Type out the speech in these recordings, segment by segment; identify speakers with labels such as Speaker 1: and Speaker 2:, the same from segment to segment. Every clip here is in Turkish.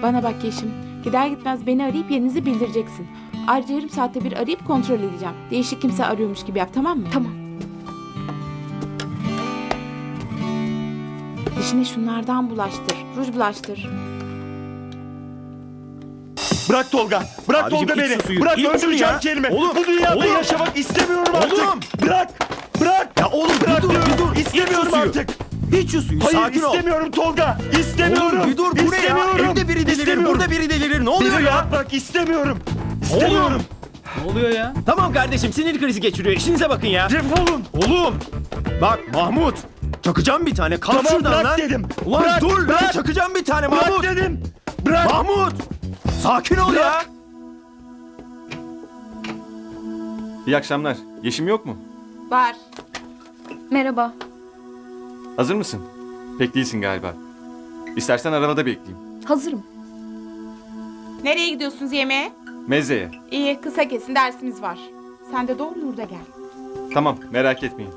Speaker 1: Bana bak Yeşim. Gider gitmez beni arayıp yerinizi bildireceksin. Ayrıca yarım saatte bir arayıp kontrol edeceğim. Değişik kimse arıyormuş gibi yap, tamam mı?
Speaker 2: Tamam.
Speaker 1: Dişine şunlardan bulaştır. Ruj bulaştır.
Speaker 3: Bırak Tolga. Bırak
Speaker 4: Abicim,
Speaker 3: Tolga
Speaker 4: iç
Speaker 3: beni.
Speaker 4: şu suyu,
Speaker 3: Bırak
Speaker 4: iç şunu
Speaker 3: öldüreceğim
Speaker 4: ya.
Speaker 3: kelime.
Speaker 4: Oğlum,
Speaker 3: Bu dünyada
Speaker 4: oğlum.
Speaker 3: yaşamak istemiyorum artık.
Speaker 4: Oğlum.
Speaker 3: Bırak. Bırak.
Speaker 4: Ya oğlum
Speaker 3: Bırak
Speaker 4: bir dur,
Speaker 3: diyorum.
Speaker 4: bir dur.
Speaker 3: İstemiyorum
Speaker 4: İç şu suyu.
Speaker 3: artık.
Speaker 4: İç şu suyu,
Speaker 3: Hayır
Speaker 4: sakin ol.
Speaker 3: istemiyorum Tolga. İstemiyorum.
Speaker 4: Oğlum bir dur, bu ne ya?
Speaker 3: İstemiyorum.
Speaker 4: Evde biri delirir,
Speaker 3: İstemiyorum.
Speaker 4: burada biri delirir. Ne oluyor
Speaker 3: Beni
Speaker 4: ya?
Speaker 3: rahat bırak istemiyorum. İstemiyorum.
Speaker 4: Ne oluyor ya? Tamam kardeşim, sinir krizi geçiriyor. İşinize bakın ya.
Speaker 3: Defolun.
Speaker 4: Oğlum. Bak Mahmut. Çakacağım bir tane. Kalk
Speaker 3: Tamam
Speaker 4: şuradan
Speaker 3: bırak
Speaker 4: lan.
Speaker 3: dedim.
Speaker 4: Ulan
Speaker 3: Bırak,
Speaker 4: dur lan.
Speaker 3: bırak.
Speaker 4: Çakacağım bir tane
Speaker 3: Bırak
Speaker 4: Mahmut.
Speaker 3: dedim. Bırak.
Speaker 4: Mahmut. Sakin ol ya.
Speaker 5: İyi akşamlar. Yeşim yok mu?
Speaker 1: Var.
Speaker 2: Merhaba.
Speaker 5: Hazır mısın? Pek değilsin galiba. İstersen arabada bekleyeyim.
Speaker 2: Hazırım.
Speaker 1: Nereye gidiyorsunuz yemeğe?
Speaker 5: Mezzeye.
Speaker 1: İyi, kısa kesin dersimiz var. Sen de doğru Nur'da gel.
Speaker 5: Tamam, merak etmeyin.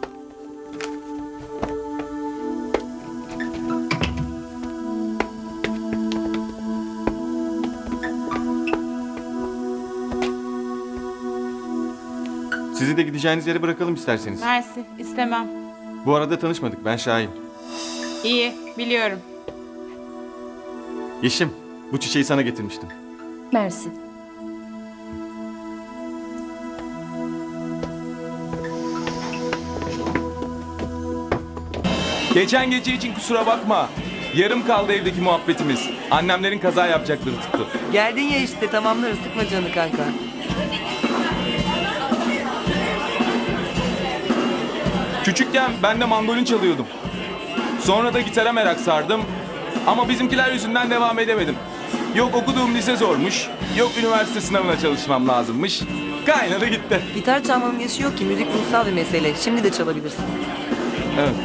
Speaker 5: Sizi de gideceğiniz yere bırakalım isterseniz.
Speaker 1: Mersi, istemem.
Speaker 5: Bu arada tanışmadık. Ben Şahin.
Speaker 1: İyi, biliyorum.
Speaker 5: Yeşim, bu çiçeği sana getirmiştim.
Speaker 2: Mersi.
Speaker 6: Geçen gece için kusura bakma. Yarım kaldı evdeki muhabbetimiz. Annemlerin kaza yapacakları tuttu.
Speaker 7: Geldin ya işte tamamlarız sıkma canını kanka.
Speaker 6: Küçükken ben de mandolin çalıyordum. Sonra da gitara merak sardım. Ama bizimkiler yüzünden devam edemedim. Yok okuduğum lise zormuş. Yok üniversite sınavına çalışmam lazımmış. Kaynadı gitti.
Speaker 7: Gitar çalmanın yaşı yok ki müzik ruhsal bir mesele. Şimdi de çalabilirsin.
Speaker 6: Evet.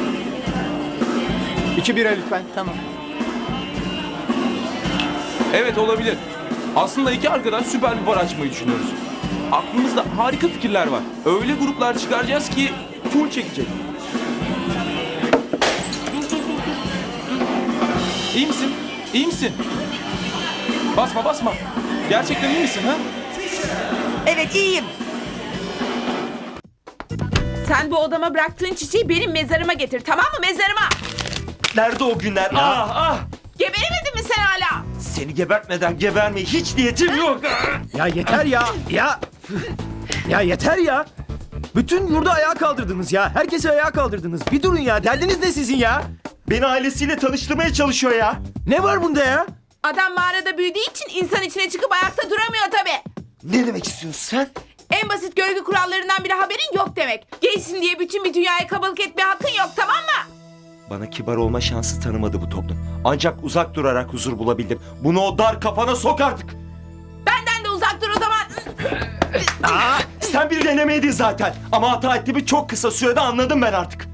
Speaker 4: 2 bira lütfen.
Speaker 7: Tamam.
Speaker 6: Evet olabilir. Aslında iki arkadaş süper bir bar açmayı düşünüyoruz. Aklımızda harika fikirler var. Öyle gruplar çıkaracağız ki full çekecek. İyi misin? İyi misin? Basma basma. Gerçekten iyi misin ha?
Speaker 7: Evet iyiyim.
Speaker 1: Sen bu odama bıraktığın çiçeği benim mezarıma getir, tamam mı? Mezarıma!
Speaker 3: Nerede o günler? Ah ah.
Speaker 1: Geberemedin mi sen hala?
Speaker 3: Seni gebertmeden gebermeye hiç niyetim yok.
Speaker 4: Ya yeter ya. Ya. Ya yeter ya. Bütün yurdu ayağa kaldırdınız ya. Herkesi ayağa kaldırdınız. Bir durun ya. Derdiniz ne sizin ya?
Speaker 3: Beni ailesiyle tanıştırmaya çalışıyor ya.
Speaker 4: Ne var bunda ya?
Speaker 1: Adam mağarada büyüdüğü için insan içine çıkıp ayakta duramıyor tabii.
Speaker 3: Ne demek istiyorsun sen?
Speaker 1: En basit görgü kurallarından biri haberin yok demek. Gaysin diye bütün bir dünyaya kabalık etmeye hakkın yok, tamam mı?
Speaker 3: Bana kibar olma şansı tanımadı bu toplum. Ancak uzak durarak huzur bulabildim. Bunu o dar kafana sok artık.
Speaker 1: Benden de uzak dur o zaman.
Speaker 3: Aa, sen bir denemeydin zaten. Ama hata ettiğimi çok kısa sürede anladım ben artık.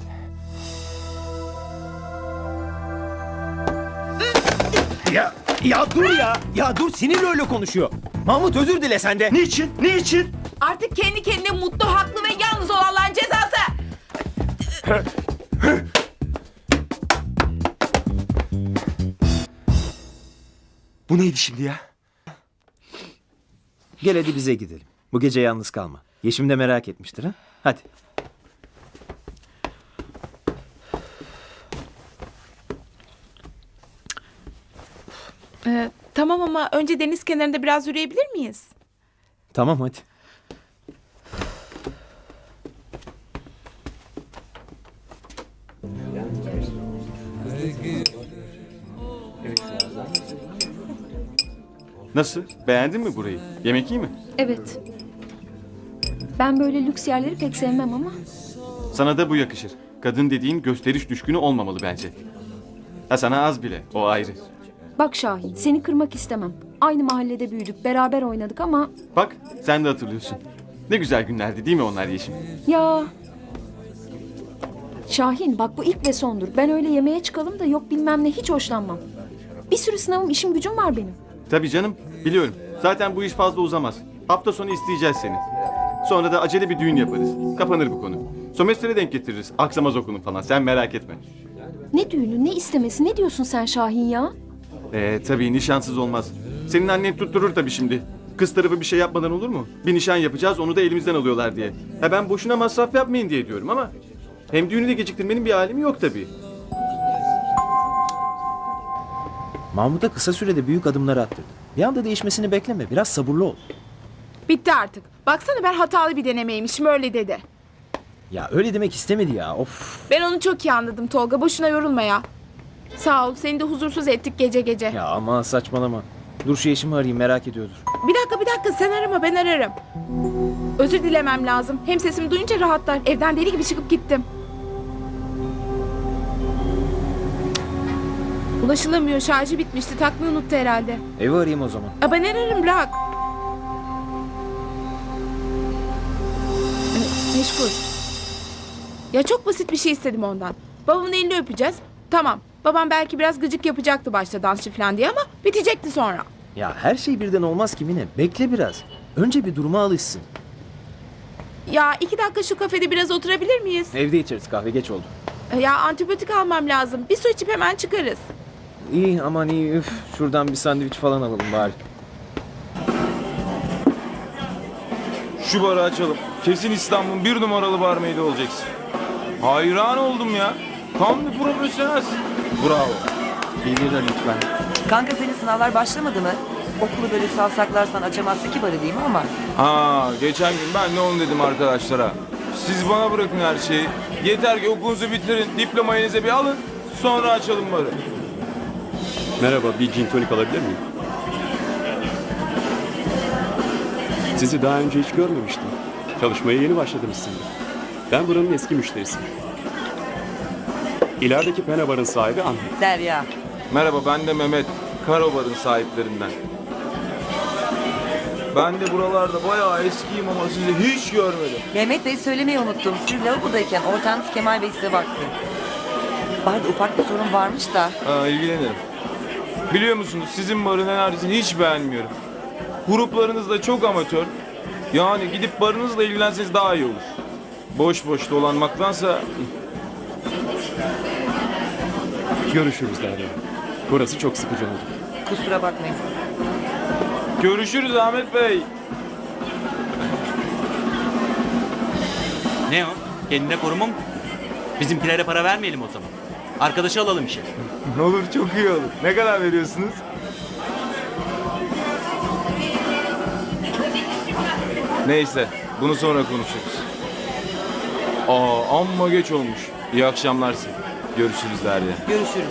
Speaker 4: Ya dur ya. Ya dur, sinirle öyle konuşuyor. Mahmut özür dile sen de.
Speaker 3: Niçin? Niçin?
Speaker 1: Artık kendi kendine mutlu, haklı ve yalnız olanların cezası.
Speaker 3: Bu neydi şimdi ya?
Speaker 4: Gel hadi bize gidelim. Bu gece yalnız kalma. Yeşim de merak etmiştir ha. Hadi.
Speaker 1: Tamam ama önce deniz kenarında biraz yürüyebilir miyiz?
Speaker 4: Tamam hadi.
Speaker 5: Nasıl? Beğendin mi burayı? Yemek iyi mi?
Speaker 2: Evet. Ben böyle lüks yerleri pek sevmem ama.
Speaker 5: Sana da bu yakışır. Kadın dediğin gösteriş düşkünü olmamalı bence. Ha sana az bile, o ayrı.
Speaker 2: Bak Şahin, seni kırmak istemem. Aynı mahallede büyüdük, beraber oynadık ama...
Speaker 5: Bak, sen de hatırlıyorsun. Ne güzel günlerdi değil mi onlar Yeşim?
Speaker 2: Ya... Şahin bak bu ilk ve sondur. Ben öyle yemeğe çıkalım da yok bilmem ne hiç hoşlanmam. Bir sürü sınavım, işim gücüm var benim.
Speaker 5: Tabii canım, biliyorum. Zaten bu iş fazla uzamaz. Hafta sonu isteyeceğiz seni. Sonra da acele bir düğün yaparız. Kapanır bu konu. Sömestre denk getiririz. Aksamaz okulun falan. Sen merak etme.
Speaker 2: Ne düğünü, ne istemesi, ne diyorsun sen Şahin ya?
Speaker 5: Tabii nişansız olmaz. Senin annen tutturur tabii şimdi. Kız tarafı bir şey yapmadan olur mu? Bir nişan yapacağız, onu da elimizden alıyorlar diye. Ben boşuna masraf yapmayın diye diyorum ama... Hem düğünü de geciktirmenin bir alemi yok tabii.
Speaker 4: Mahmut'a kısa sürede büyük adımlar attırdı. Bir anda değişmesini bekleme. Biraz sabırlı ol.
Speaker 1: Bitti artık. Baksana ben hatalı bir denemeymişim öyle dedi.
Speaker 4: Ya öyle demek istemedi ya. Of.
Speaker 1: Ben onu çok iyi anladım Tolga. Boşuna yorulma ya. Sağ ol. Seni de huzursuz ettik gece gece.
Speaker 4: Ya aman saçmalama. Dur şu eşimi arayayım, merak ediyordur.
Speaker 1: Bir dakika sen arama ben ararım. Özür dilemem lazım. Hem sesimi duyunca rahatlar. Evden deli gibi çıkıp gittim. Ulaşılamıyor. Şarjı bitmişti. Takmayı unuttu herhalde.
Speaker 4: Evi arayayım o zaman.
Speaker 1: Ben ararım bırak. Meşgul. Ya çok basit bir şey istedim ondan. Babamın elini öpeceğiz. Tamam. Babam belki biraz gıcık yapacaktı başta dansçı falan diye ama bitecekti sonra.
Speaker 4: Ya her şey birden olmaz ki Mine. Bekle biraz. Önce bir duruma alışsın.
Speaker 1: Ya 2 dakika şu kafede biraz oturabilir miyiz?
Speaker 4: Evde içeriz, kahve geç oldu.
Speaker 1: Ya antibiyotik almam lazım. Bir su içip hemen çıkarız.
Speaker 4: İyi aman iyi. Üf. Şuradan bir sandviç falan alalım bari.
Speaker 6: Şu barı açalım. Kesin İstanbul'un 1 numaralı barmeydi olacaksın. Hayran oldum ya. Tam bir profesyonelsin. Bravo.
Speaker 4: Bilirler lütfen.
Speaker 7: Kanka senin sınavlar başlamadı mı? Okulu böyle salsaklarsan açamazsa ki barı değil mi ama?
Speaker 6: Geçen gün ben de onu dedim arkadaşlara. Siz bana bırakın her şeyi. Yeter ki okulunuzu bitirin, diplomayı elinize bir alın. Sonra açalım barı.
Speaker 8: Merhaba, bir gin tonik alabilir miyim? Sizi daha önce hiç görmemiştim. Çalışmaya yeni başladınız sanırım. Ben buranın eski müşterisiyim. İlerideki Pena Bar'ın sahibi Ahmet.
Speaker 7: Derya.
Speaker 6: Merhaba ben de Mehmet. Karobar'ın sahiplerinden. Ben de buralarda bayağı eskiyim ama sizi hiç görmedim.
Speaker 7: Mehmet Bey söylemeyi unuttum. Siz lavabodayken ortağınız Kemal Bey size baktı. Barda ufak bir sorun varmış da.
Speaker 6: İlgilenirim. Biliyor musunuz sizin barın enerjisini hiç beğenmiyorum. Gruplarınız da çok amatör. Yani gidip barınızla ilgilenseniz daha iyi olur. Boş boş dolanmaktansa...
Speaker 8: Görüşürüz Derya. Burası çok sıkıcı oldu.
Speaker 7: Kusura bakmayın.
Speaker 6: Görüşürüz Ahmet Bey.
Speaker 9: Ne o? Kendine koruma mı? Bizimkilere para vermeyelim o zaman. Arkadaşı alalım işe.
Speaker 6: Olur çok iyi olur. Ne kadar veriyorsunuz? Neyse bunu sonra konuşuruz. Amma geç olmuş. İyi akşamlar size. Görüşürüz Derya.
Speaker 7: Görüşürüz.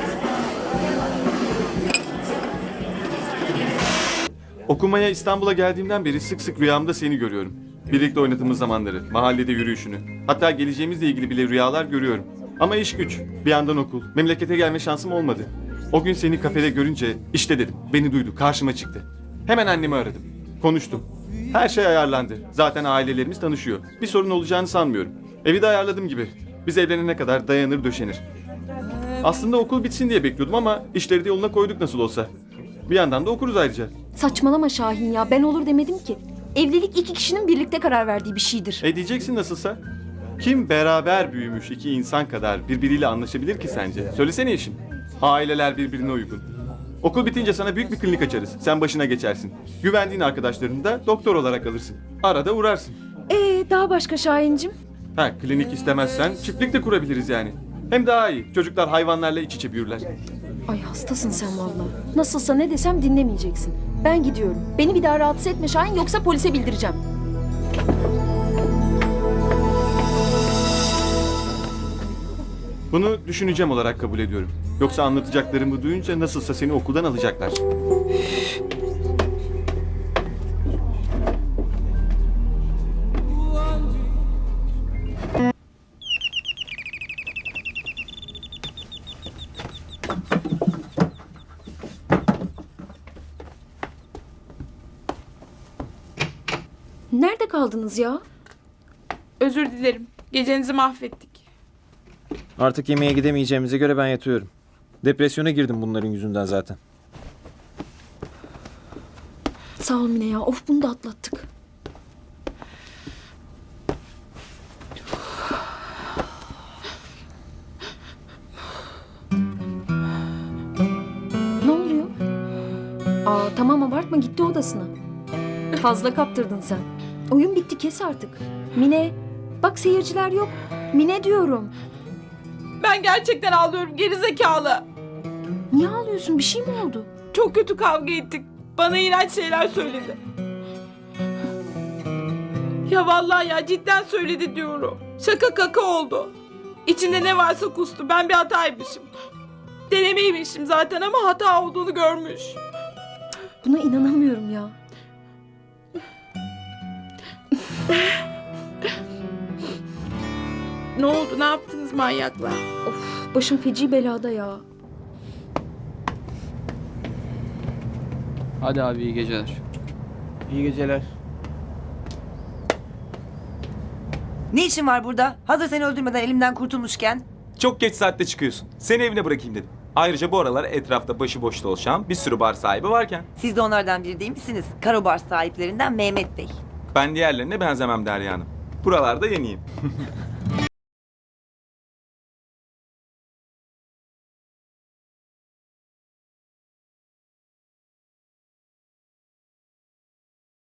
Speaker 5: Okumaya İstanbul'a geldiğimden beri sık sık rüyamda seni görüyorum. Birlikte oynadığımız zamanları, mahallede yürüyüşünü. Hatta geleceğimizle ilgili bile rüyalar görüyorum. Ama iş güç, bir yandan okul, memlekete gelme şansım olmadı. O gün seni kafede görünce işte dedim, beni duydu, karşıma çıktı. Hemen annemi aradım, konuştum. Her şey ayarlandı. Zaten ailelerimiz tanışıyor. Bir sorun olacağını sanmıyorum. Evi de ayarladım gibi. Biz evlenene kadar dayanır döşenir. Aslında okul bitsin diye bekliyordum ama işleri de yoluna koyduk nasıl olsa. Bir yandan da okuruz ayrıca.
Speaker 2: Saçmalama Şahin ya. Ben olur demedim ki. Evlilik 2 kişinin birlikte karar verdiği bir şeydir.
Speaker 5: Diyeceksin nasılsa. Kim beraber büyümüş iki insan kadar birbiriyle anlaşabilir ki sence? Söylesene eşim. Aileler birbirine uygun. Okul bitince sana büyük bir klinik açarız. Sen başına geçersin. Güvendiğin arkadaşlarını da doktor olarak alırsın. Arada uğrarsın.
Speaker 2: Daha başka Şahincim?
Speaker 5: Klinik istemezsen çiftlik de kurabiliriz yani. Hem daha iyi. Çocuklar hayvanlarla iç içe büyürler.
Speaker 2: Ay hastasın sen vallahi. Nasılsa ne desem dinlemeyeceksin. Ben gidiyorum. Beni bir daha rahatsız etme Şahin yoksa polise bildireceğim.
Speaker 5: Bunu düşüneceğim olarak kabul ediyorum. Yoksa anlatacaklarımı duyunca nasılsa seni okuldan alacaklar.
Speaker 2: Nerede kaldınız ya?
Speaker 1: Özür dilerim. Gecenizi mahvettik.
Speaker 4: Artık yemeğe gidemeyeceğimize göre ben yatıyorum. Depresyona girdim bunların yüzünden zaten.
Speaker 2: Sağ ol Mine ya. Of bunu da atlattık. Ne oluyor? Aa tamam abartma, gitti odasına. Fazla kaptırdın sen. Oyun bitti, kes artık. Mine, bak seyirciler yok. Mine diyorum.
Speaker 1: Ben gerçekten ağlıyorum gerizekalı.
Speaker 2: Niye ağlıyorsun, bir şey mi oldu?
Speaker 1: Çok kötü kavga ettik. Bana iğrenç şeyler söyledi. Ya vallahi ya cidden söyledi diyorum. Şaka kaka oldu. İçinde ne varsa kustu. Ben bir hataymışım. Denemeymişim zaten ama hata olduğunu görmüş.
Speaker 2: Buna inanamıyorum ya.
Speaker 1: Ne oldu? Ne yaptınız manyaklar?
Speaker 2: Of, başım feci belada ya.
Speaker 9: Hadi abi iyi geceler.
Speaker 4: İyi geceler.
Speaker 7: Ne işin var burada? Hazır seni öldürmeden elimden kurtulmuşken.
Speaker 6: Çok geç saatte çıkıyorsun. Seni evine bırakayım dedim. Ayrıca bu aralar etrafta başıboş dolaşan bir sürü bar sahibi varken
Speaker 7: Siz de onlardan biri değil misiniz? Karo bar sahiplerinden Mehmet Bey.
Speaker 6: ben diğerlerine benzemem Derya Hanım. Buralarda yeniyim.